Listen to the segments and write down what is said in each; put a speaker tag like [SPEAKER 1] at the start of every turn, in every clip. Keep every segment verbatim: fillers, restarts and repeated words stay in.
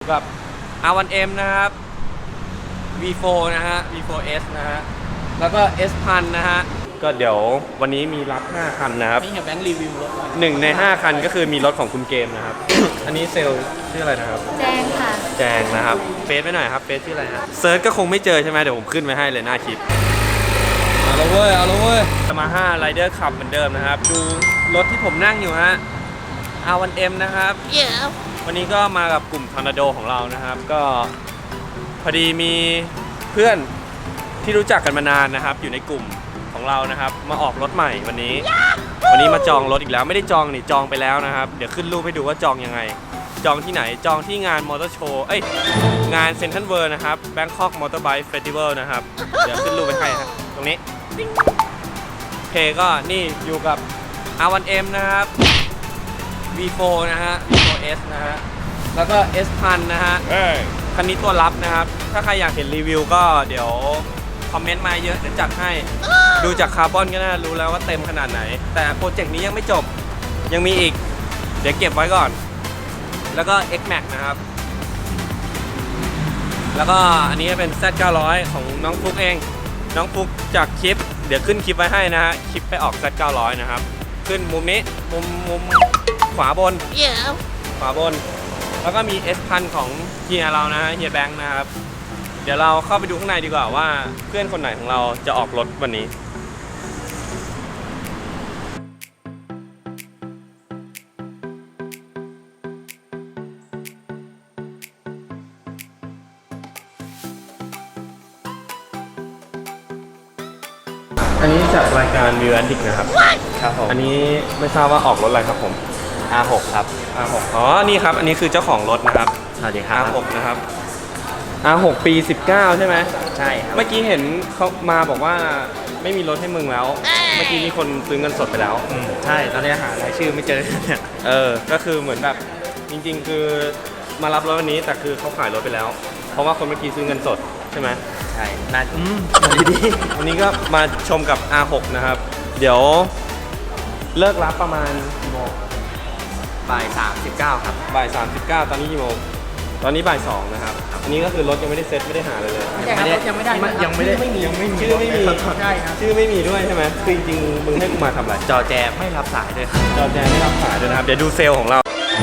[SPEAKER 1] กับ อาร์ วัน เอ็ม นะครับ วี โฟร์ นะฮะ วี โฟร์ เอส นะฮะแล้วก็ เอส พัน นะฮะก็เดี๋ยววันนี้มีรับห้าคันนะครับ
[SPEAKER 2] นี่เห็นแบงค์รีวิวรถ
[SPEAKER 1] หนึ่งในห้าคันก็คือมีรถของคุณเกมนะครับ อันนี้เซลล์ชื่ออะไรนะครับ
[SPEAKER 3] แจงค่ะ
[SPEAKER 1] แจงนะครับเฟซไปหน่อยครับเฟซชื่ออะไรฮะเซิร์ชก็คงไม่เจอใช่ไหมเดี๋ยวผมขึ้นไว้ให้เลยหน้าคลิปเอาละเว้ยเอาละเว้ยสมาห้า Rider Cup เหมือนเดิมนะครับดูรถที่ผมนั่งอยู่ฮะ อาร์ วัน เอ็ม นะครับ
[SPEAKER 3] yeah.
[SPEAKER 1] วันนี้ก็มากับกลุ่มทอร์นาโดของเรานะครับก็พอดีมีเพื่อนที่รู้จักกันมานานนะครับอยู่ในกลุ่มของเรานะครับมาออกรถใหม่วันนี้ วันนี้มาจองรถอีกแล้วไม่ได้จองนี่จองไปแล้วนะครับเดี๋ยวขึ้นรูปให้ดูว่าจองยังไงจองที่ไหนจองที่งานมอเตอร์โชว์เอ้ยงานเซ็นทรัลเวิลด์นะครับ Bangkok Motor Bike Festival นะครับเดี๋ยวขึ้นรูปไปให้ฮะตรงนี้โอเคก็นี่อยู่กับ อาร์ วัน เอ็ม นะครับ วี โฟร์ นะฮะ วี โฟร์ เอส นะฮะแล้วก็ เอส พัน นะฮะคันนี้ตัวรับนะครับถ้าใครอยากเห็นรีวิวก็เดี๋ยวคอมเมนต์มาเยอะเดี๋ยวจัดให้ดูจากคาร์บอนก็น่ารู้แล้วว่าเต็มขนาดไหนแต่โปรเจกต์นี้ยังไม่จบยังมีอีกเดี๋ยวเก็บไว้ก่อนแล้วก็ เอ็กซ์ แม็กซ์ นะครับแล้วก็อันนี้เป็น แซด เก้าร้อย ของน้องฟุกเองน้องฟุกจากคลิปเดี๋ยวขึ้นคลิปไว้ให้นะฮะคลิปไปออก แซด เก้าร้อย นะครับขึ้นมุมนี้มุมมุมขวาบน
[SPEAKER 3] yeah.
[SPEAKER 1] ขวาบนแล้วก็มี เอส พัน ของเฮียเรานะฮะเฮียแบงค์นะครับเดี๋ยวเราเข้าไปดูข้างในดีกว่าว่าเพื่อนคนไหนของเราจะออกรถวันนี้อันนี้จากรายการวิวแอนดิกนะครับ
[SPEAKER 2] ครับผม
[SPEAKER 1] อันนี้ไม่ทราบว่าออกรถอะไรครับผม
[SPEAKER 2] อาร์ หก ครับ
[SPEAKER 1] อาร์ หก อ๋อนี่ครับอันนี้คือเจ้าของรถนะครับ
[SPEAKER 2] สวัสดีครับ
[SPEAKER 1] อาร์ หก นะครับ อาร์ หก ปีสิบเก้าใช่ไหม
[SPEAKER 2] ใช่ครับ
[SPEAKER 1] เมื่อกี้เห็นเขามาบอกว่าไม่มีรถให้มึงแล้วเมื่อกี้มีคนซื้อเงินสดไปแล้ว
[SPEAKER 2] อืมใช่ตอนนี้หารายชื่อไม่เจอเนี่ย
[SPEAKER 1] เออก็คือเหมือนแบบจริงๆคือมารับรถวันนี้แต่คือเขาขายรถไปแล้วเพราะว่าคนเมื่อกี้ซื้อเงินสดใช่ไหม
[SPEAKER 2] ใช่น่าอืมดีดี
[SPEAKER 1] วันนี้ก็มาชมกับ อาร์ หก นะครับเดี๋ยวเลิกรับประมาณกี่โมง
[SPEAKER 2] บ่ายสามสิบเก้าครับ
[SPEAKER 1] บ่ายสามสิบเก้าตอนนี้กี่โมงตอนนี้บ่ายสองนะครับอันนี้ก็คือรถยังไม่ได้เซ็ตไม่ได้หาเลยเลย
[SPEAKER 2] ยังไม่ได้ยังไม่ได้ยังไม่ได้ยังไม่มี
[SPEAKER 1] ชื่อไม่มี
[SPEAKER 2] ใช่ครับ
[SPEAKER 1] ชื่อไม่มีด้วยใช่ไหมคือจริงๆมึงให้กูมาทำอะไร
[SPEAKER 2] จอแจไม่รับสายด้วยครับ
[SPEAKER 1] จอแจไม่รับสายด้วยนะครับเดี๋ยวดูเซลล์ของเรา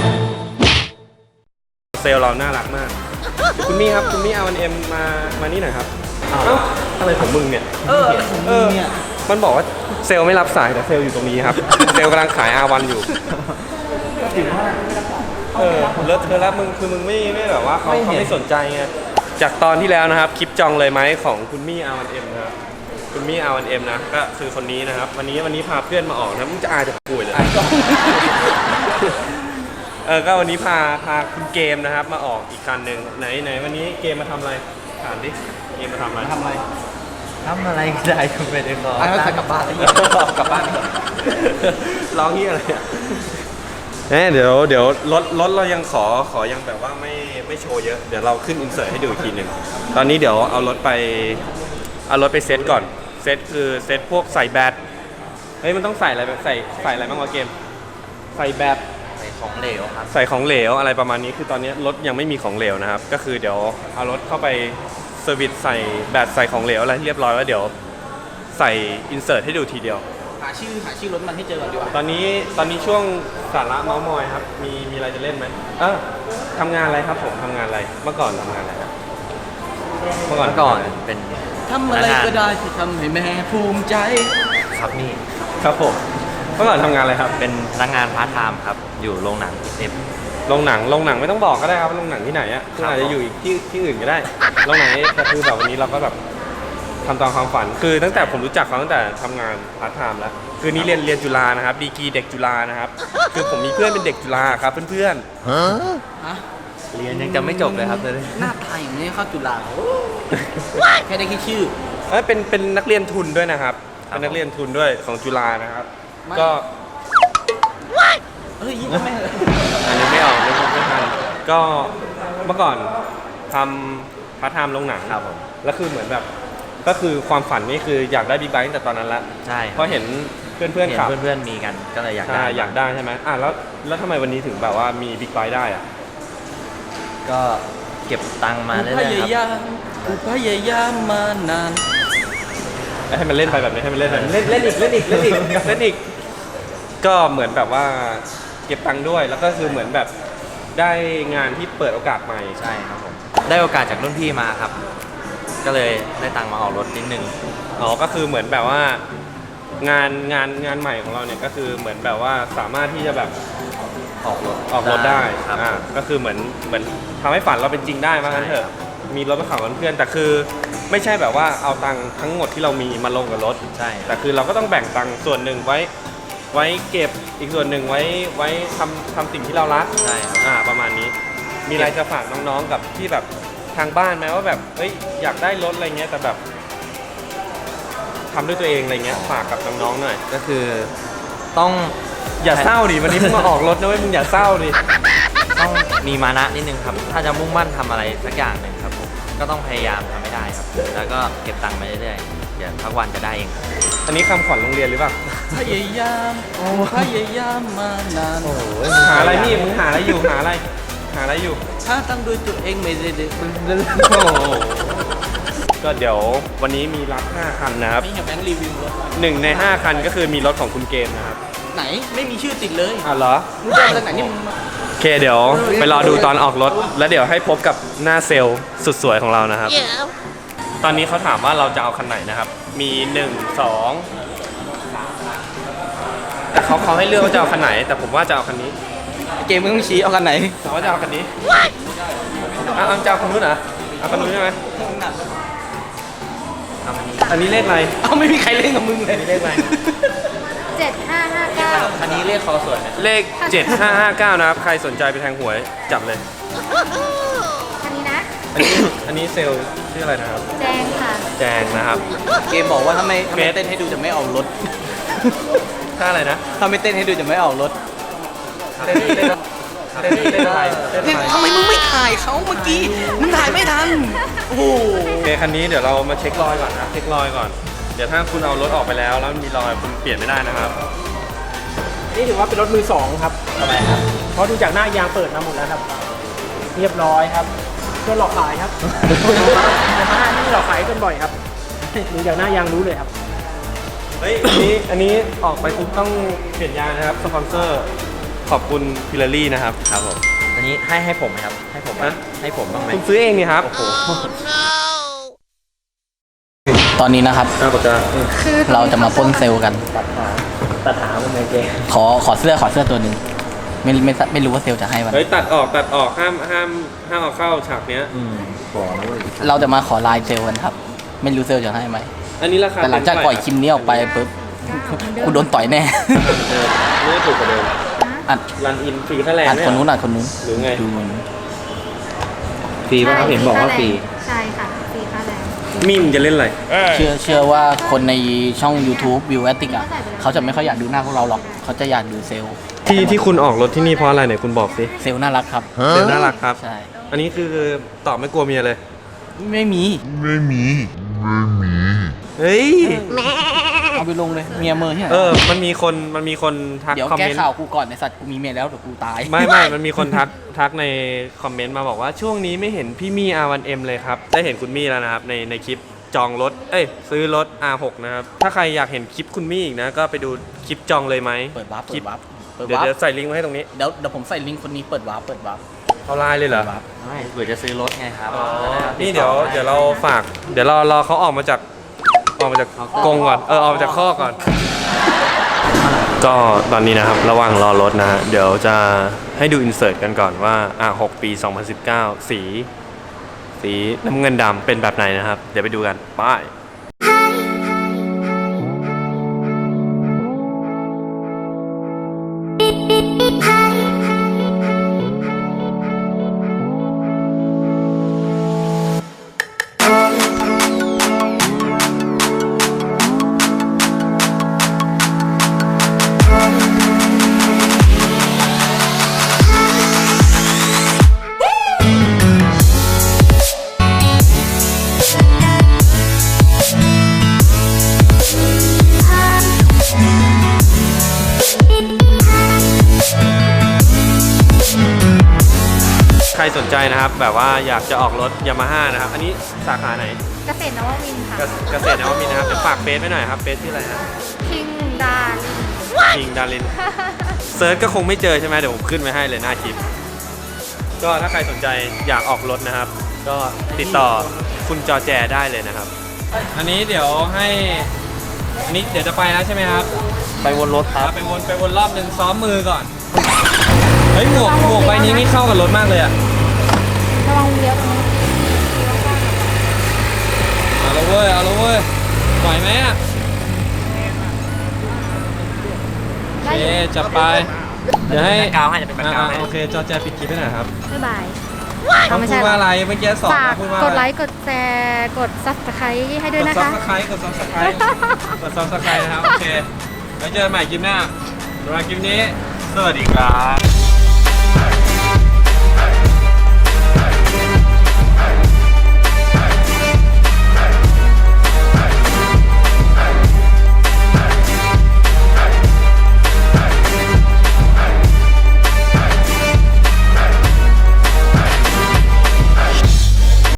[SPEAKER 1] เซลล์เราน่ารักมากคุณมี่ครับคุณมี่ อาร์ วัน เอ็ม มามานี่หน่อยครับเอ้าอะไรของมึงเนี่ย
[SPEAKER 2] เออผมเนี่ย
[SPEAKER 1] มันบอกว่าเซลล์ไม่รับสายแต่เซลล์อยู่ตรงนี้ครับเซลล์กำลังขาย อาร์ วัน อยู่
[SPEAKER 2] ถือว่า
[SPEAKER 1] เออเลิศเธอแล้วมึงคือมึงไม่ไม่แบบว่าเขาเขาไม่สนใจไงจากตอนที่แล้วนะครับคลิปจองเลยไหมของคุณมี่ อาร์ วัน เอ็ม นะครับคุณมี่ อาร์ วัน เอ็ม นะก็คือคนนี้นะครับวันนี้วันนี้พาเพื่อนมาออกนะมึงจะอายจะป่วยเลยเออก็วันนี้พาพาคุณเกมนะครับมาออกอีกคันหนึ่งไหนไหนวันนี้เกมมาทำอะไรถามดิเกมมาทำอะไร
[SPEAKER 2] ทำอะไรทำอะไรก็ได้ก็ไม่ได้ขอไอ้เขาจะกลับบ้าน
[SPEAKER 1] กลับบ้านร้องเฮียอะไรอ่ะเดี๋ยวเดี๋ยวรถรถเรายังขอขอยังแบบว่าไม่ไม่โชว์เยอะเดี๋ยวเราขึ้นอินเสิร์ตให้ดูอีกทีหนึ่งตอนนี้เดี๋ยวเอารถไปเอารถไปเซตก่อนเซตคือเซตพวกใส่แบตเฮ้ยมันต้องใส่อะไรใส่ใส่อะไรบ้างวะเกมใส่แบต
[SPEAKER 2] ใส่ของเหลวครับ
[SPEAKER 1] ใส่ของเหลวอะไรประมาณนี้คือตอนนี้รถยังไม่มีของเหลวนะครับก็คือเดี๋ยวเอารถเข้าไปเซอร์วิสใส่แบตใส่ของเหลวอะไรเรียบร้อยแล้วเดี๋ยวใส่อินเสิร์ตให้ดูทีเดียว
[SPEAKER 2] หาชื่อหาชื่อรถมันให้เจอก่อนดีกว่า
[SPEAKER 1] ตอนนี้ตอนนี้ช่วงสาระเมาส์มอยครับมีมีอะไรจะเล่นไหมเออทำงานอะไรครับผมทำงานอะไรเมื่อก่อนทำงานอะไรครับ
[SPEAKER 2] เมื่อก่อนก่อนเป็นทำอะไรก็ได้ที่ทำให้แม่ภูมิใจครับนี่
[SPEAKER 1] ครับผมเมื่อก่อนทำงานอะไรครับ
[SPEAKER 2] เป็นพนักงานพาร์ทไทม์ครับอยู่โรงหนังเอฟ
[SPEAKER 1] โรงหนังโรงหนังไม่ต้องบอกก็ได้ครับโรงหนังที่ไหนอ่ะคุณอาจจะอยู่อีกที่ที่อื่นก็ได้โรงหนังแต่คือแบบวันนี้เราก็แบบทำตามความฝันคือตั้งแต่ผมรู้จักเขาตั้งแต่ทำงานพาร์ทไทม์แล้วคือนี่เรียนเรียนจุฬานะครับดีกรีเด็กจุฬานะครับคือผมมีเพื่อนเป็นเด็กจุฬาครับเพื่อน
[SPEAKER 2] ๆฮะเรียนยังจะไม่จบเลยครับเลยหน้าตาอย่างนี้เข้าจุฬาแค่ได้คิดชื่อ
[SPEAKER 1] เอ้ยเป็นเป็นนักเรียนทุนด้วยนะครับเป็นนักเรียนทุนด้วยของจุฬานะครับก็
[SPEAKER 2] เฮ้ยยิ่งไม่
[SPEAKER 1] อันนี้ไม่ออกไม่ไม่ทันก็เมื่อก่อนทำพาร์ทไทม์โรงหนังครับผมแล้วคือเหมือนแบบก็คือความฝันนี่คืออยากได้บิ๊กไบค์ตั้งแต่ตอนนั้นละ
[SPEAKER 2] ใช่
[SPEAKER 1] เพราะเห็นเพื่อนเพื่อนขับ
[SPEAKER 2] เพื่อนๆมีกันก็เลยอยากได้
[SPEAKER 1] อยากได้ใช่ไหมอ่ะแล้วแล้วทำไมวันนี้ถึงแบบว่ามีบิ๊กไบค์ได้อ่ะ
[SPEAKER 2] ก็เก็บตังค์มาเรื่อยๆ
[SPEAKER 3] พ
[SPEAKER 2] ครับ
[SPEAKER 3] ยายามกูพยายามมานาน
[SPEAKER 1] ให้มันเล่นไปแบบนี้ให้มันเล่นไปเล่นเล่นอีกเล่นอีกเล่นอีกเล่นอีกก็เหมือนแบบว่าเก็บตังค์ด้วยแล้วก็คือเหมือนแบบได้งานที่เปิดโอกาสใหม่
[SPEAKER 2] ใช่ครับผมได้โอกาสจากรุ่นพี่มาครับ ก็เลยได้ตังค์มาออกรถนิดนึง
[SPEAKER 1] อ๋อก็คือเหมือนแบบว่างานงานงานใหม่ของเราเนี่ยก็คือเหมือนแบบว่าสามารถที่จะแบบ
[SPEAKER 2] ออกรถ
[SPEAKER 1] ออกรถได้
[SPEAKER 2] ครับ
[SPEAKER 1] อ่าก็คือเหมือนเหมือนทำให้ฝันเราเป็นจริงได้มางั้นเถ
[SPEAKER 2] ใช่
[SPEAKER 1] อะ
[SPEAKER 2] ครับ
[SPEAKER 1] มีรถมาขับกับเพื่อนแต่คือไม่ใช่แบบว่าเอาตังค์ทั้งหมดที่เรามีมาลงกับรถ
[SPEAKER 2] ใช่
[SPEAKER 1] แต่คือเราก็ต้องแบ่งตังค์ส่วนหนึ่งไว้ ไว้เก็บอีกส่วนหนึ่งไว้ไว้ทำทำสิ่งที่เรารัก
[SPEAKER 2] ใช่ครับ
[SPEAKER 1] อ่าประมาณนี้ มีอะไรจะฝากน้องๆกับที่แบบทางบ้านไหมว่าแบบเฮ้ยอยากได้รถอะไรเงี้ยแต่แบบทำด้วยตัวเองอะไรเงี้ยฝากกับน้องๆหน่อย
[SPEAKER 2] ก็คือต้อง
[SPEAKER 1] อย่าเศร้าดิวันนี้มึงมาออกรถนะเว้ยมึงอย่าเศร้าดิ
[SPEAKER 2] ต้องมีมานะนิดนึงครับ ถ้าจะมุ่งมั่นทำอะไรสักอย่างหนึ่งครับผมก็ต้องพยายามทำให้ได้ครับ แล้วก็เก็บตังค์ไปเรื่อยๆเดี๋ยวทักวันจะได้เองครับ
[SPEAKER 1] อันนี้คำขวัญโรงเรียนหรือเปล่า
[SPEAKER 3] พยายามพยายามมานาน
[SPEAKER 1] หาอะไรนี่มึงหาอะไรอยู่หาอะไรหาอะไรอยู่
[SPEAKER 3] ถ้าตั้งด้วยตัวเองไม่ได้เด็ก
[SPEAKER 1] โอ้โหก็เดี๋ยววันนี้มีรับห้าคันนะครับ
[SPEAKER 3] ไม่เห็นแบงค์รีวิวรถ
[SPEAKER 1] หนึ่งในห้าคันก็คือมีรถของคุณเกมนะครับ
[SPEAKER 3] ไหนไม่มีชื่อติดเลย
[SPEAKER 1] อ่ะเหรอ
[SPEAKER 3] มึงเจอมาจากไหนนี่มึงมา
[SPEAKER 1] โอเคเดี๋ยวไปรอดูตอนออกรถ แล้วเดี๋ยวให้พบกับหน้าเซลล์สุดสวยของเรานะครับ ตอนนี้เขาถามว่าเราจะเอาคันไหนนะครับ มีหนึ่ง สองแต่เขาเขาให้เลือกว่าจะเอาคันไหน แต่ผมว่าจะเอาคันนี้
[SPEAKER 3] เกมมึงต้องชี้เอากันไหน
[SPEAKER 1] แต่ว่าจะเอาคันนี้อ่ะเอาจะเอาคันนู้นเหรอเอาคันนู้นใช่ไหม
[SPEAKER 2] ทำอันนี้
[SPEAKER 1] อันนี้เลขอะไร
[SPEAKER 3] เอาไม่มีใครเล่นกับมึงเลย
[SPEAKER 1] เลขอะไร
[SPEAKER 4] เจ็ดห้าห้าเก้า
[SPEAKER 2] อันนี้เรียกคอสวยนะ
[SPEAKER 1] เลขเจ็ดห้าห้าเก้านะครับ ใครสนใจไปแทงหวยจับเลย
[SPEAKER 4] คันนี้นะ
[SPEAKER 1] อันนี้อันนี้เซลล์ชื่ออะไรนะครับ
[SPEAKER 4] แจงค่ะ
[SPEAKER 1] แจงนะครับ
[SPEAKER 3] เกมบอกว่าถ้าไม่ถ้าไม่
[SPEAKER 1] เฟส
[SPEAKER 3] เต้นให้ดูจะไม่ออกรถ
[SPEAKER 1] ถ้าอะไรนะ
[SPEAKER 3] ถ้าไม่เต้นให้ดูจะไม่ออกรถ
[SPEAKER 1] เต้นเต้นเต้นเต้นอะไรเต้น
[SPEAKER 3] เนี่ย
[SPEAKER 1] อะไร
[SPEAKER 3] ทำไมมึงไม่ถ่ายเขาเมื่อกี้ มึงถ่ายไม่ทัน โอ้โห
[SPEAKER 1] โอเคคันนี้เดี๋ยวเรามาเช็ครอยก่อนนะเช็ครอยก่อน เดี๋ยวถ้าคุณเอารถออกไปแล้วแล้วมันมีรอยคุณเปลี่ยนไม่ได้นะครับ
[SPEAKER 5] นี่ถือว่าเป็นรถมือสองครับ
[SPEAKER 2] ทำไมครับ
[SPEAKER 5] เพราะดูจากหน้ายางเปิดมาหมดแล้วครับ เรียบร้อยครับเพื่อหลอกขายครับ แต่มานี่หลอกขายกันบ่อยครับ ดูจากหน้ายางรู้เลยครับ
[SPEAKER 1] เฮ้ย อันนี้อันนี้ออกไปปุ๊บต้องเปลี่ยนยางนะครับ สปอนเซอร์ ขอบคุณพิลารี่นะครับ
[SPEAKER 2] ครับผมอันนี้ให้ให้ผมไหมครับ ให้ผมไหม
[SPEAKER 1] ฮะ
[SPEAKER 2] ให้ผมบ้างไหม
[SPEAKER 1] คุณซื้อเองนี่ครับ โอ้โห
[SPEAKER 3] ตอนนี้นะครับ
[SPEAKER 1] น่าปากกา
[SPEAKER 4] คือ
[SPEAKER 3] เราจะมาปล้นเซลล์กัน
[SPEAKER 5] ตัดหางมันเลยเก
[SPEAKER 3] ขอขอเสื้อขอเสื้อตัวหนึ่งไม่ไม่ไม่รู้ว่าเซลล์จะให้วัน
[SPEAKER 1] เฮ้ยตัดออกตัดออกห้ามห้ามห้ามเอาเข้าฉากเนี้ย
[SPEAKER 2] อืมบอกนะเว้ย
[SPEAKER 3] เราจะมาขอไลน์เซลล์กันครับ ไม่รู้เซลล์จะให้ไหม
[SPEAKER 1] อันนี้ราคา
[SPEAKER 3] แต่หลังจากปล่อยคลิปนี้ออกไปปุ๊บกูโดนต่อยแน่
[SPEAKER 1] เออนี่ถูกกว่าเดิม
[SPEAKER 3] อัด
[SPEAKER 1] รันอินฟรีค่าแรง
[SPEAKER 3] อัด
[SPEAKER 1] เนี่ย
[SPEAKER 3] คนนู้นอัดคนนู้น
[SPEAKER 1] หรือไง
[SPEAKER 3] ดูคนนู้น
[SPEAKER 2] ฟรีป่ะครับเห็นบอกว่าฟรี
[SPEAKER 4] ใช่ค่ะฟรีค่าแรง
[SPEAKER 1] มีมจะเล่นอะไร
[SPEAKER 3] เชื่อเชื่อว่าคนในช่อง YouTube วิวแอตติกอ่ะเขาจะไม่ค่อยอยากดูหน้าพวกเราหรอก เขาจะอยากดูเซลล์
[SPEAKER 1] ที่ที่คุณออกรถที่นี่เพราะอะไรไหนคุณบอกสิ
[SPEAKER 3] เซลล์น่ารักครับ
[SPEAKER 1] เซลลน่ารักครับ
[SPEAKER 3] ใช่
[SPEAKER 1] อันนี้คือตอบไม่กลัวเมียเลย
[SPEAKER 3] ไม่มี
[SPEAKER 1] เฮ้ย
[SPEAKER 3] เอาไปลงเลยเมียเมอร์ที่ไหน
[SPEAKER 1] เออ มันมีคนมันมีคนทัก
[SPEAKER 3] เดี๋ยว
[SPEAKER 1] คอม
[SPEAKER 3] แก้
[SPEAKER 1] เมนต์
[SPEAKER 3] ข่าวกูก่อนในสัตว์กูมีเมียแล้วเดี๋ยวกูตาย
[SPEAKER 1] ไม่ไม่มันมีคนทักทักในคอมเมนต์มาบอกว่าช่วงนี้ไม่เห็นพี่มี่ อาร์ วัน เอ็ม เลยครับ ได้เห็นคุณมี่แล้วนะครับในในคลิปจองรถ เอ้ยซื้อรถ อาร์ หก นะครับ ถ้าใครอยากเห็นคลิปคุณมี่อีกนะ ก็ไปดูคลิปจองเลยไหม
[SPEAKER 3] เปิดวาร์ป
[SPEAKER 1] ค
[SPEAKER 3] เปิ
[SPEAKER 1] ลิ
[SPEAKER 3] ด
[SPEAKER 1] ป
[SPEAKER 3] วาร์ปเปิด
[SPEAKER 1] เดี๋ยว
[SPEAKER 3] วาร์
[SPEAKER 1] เดี๋ยว
[SPEAKER 3] ป
[SPEAKER 1] ใส่ลิงก์ไว้ให้ตรงนี้
[SPEAKER 3] เดี๋ยวเดี๋ยวผมใส่ลิงก์คนนี้เปิดวาร์ปเปิดวาร์ป
[SPEAKER 1] เอาไลน์เลยเหรอ
[SPEAKER 3] ปิดวาร์ป
[SPEAKER 2] ไม่เผื่อจะซื้อรถไงครับ
[SPEAKER 1] นี่เดี๋ยวเดี๋ยวเราฝาก เดี๋ยวรอรอเขาออกมาจากออกมาจากกรงก่อน เออออกมาจากข้อกก่อน ก็ตอนนี้นะครับระหว่างรอรถนะฮะเดี๋ยวจะให้ดูอินเสิร์ตกันก่อนว่าอ่ะหกปีสองพันสิบเก้าสี สีน้ำเงินดำเป็นแบบไหนนะครับ เดี๋ยวไปดูกันไปสนใจนะครับ แบบว่าอยากจะออกรถยามาฮ่านะครับ อันนี้สาขาไหน
[SPEAKER 4] เกษตรนวมินทร์ค่ะ
[SPEAKER 1] เกษเกษตรนวมินทร์นะครับเดี๋ยวฝากเฟซไว้หน่อยครับเฟซที่ออะไรนะ
[SPEAKER 4] คิงดาลิน
[SPEAKER 1] คิงดารินเซิร์ชก็คงไม่เจอใช่ไหมเดี๋ยวผมขึ้นไว้ให้เลยหน้าคลิป ก็ถ้าใครสนใจอยากออกรถนะครับ ก็ติดต่อคุณจอแจได้เลยนะครับ อันนี้เดี๋ยวให้อันนี้เดี๋ยวจะไปแล้วใช่ไหมครับ
[SPEAKER 2] ไปวนรถครับ
[SPEAKER 1] ไปวนไปวนรอบหนึ่งซ้อมมือก่อน เฮ้ยหมวกหมวกใบนี้นี่เข้ากับรถมากเลยอะ
[SPEAKER 4] ระวังเลี้ยวตรงนี้
[SPEAKER 1] เอาละเว้ยเอาละเว้ยไหวไหมอะโอเคจับไป เดี๋ยวให้
[SPEAKER 2] แบ็คกราวด์ให้จะเป็นแบ็คกราวด์ให้
[SPEAKER 1] อ่าโอเคจอแจปิดคลิปให้หน่อยครับ
[SPEAKER 4] บ๊ายบาย
[SPEAKER 1] ต้องพูดว่าอะไรเมื่อกี้สอน
[SPEAKER 4] ฝาก
[SPEAKER 1] พูดว่าอะ
[SPEAKER 4] ก
[SPEAKER 1] ร
[SPEAKER 4] ดไลค์ กดแชร์ กดซับสไครต์ให้ด้วย
[SPEAKER 1] กด
[SPEAKER 4] นะ
[SPEAKER 1] ซับ
[SPEAKER 4] คะ
[SPEAKER 1] สไครต์กดซับสไครต์กดซับสไครต์นะครับ โอเคไว้เจอกันใหม่คลิปหน้าสำหรับคลิปนี้ สวัสดีครับ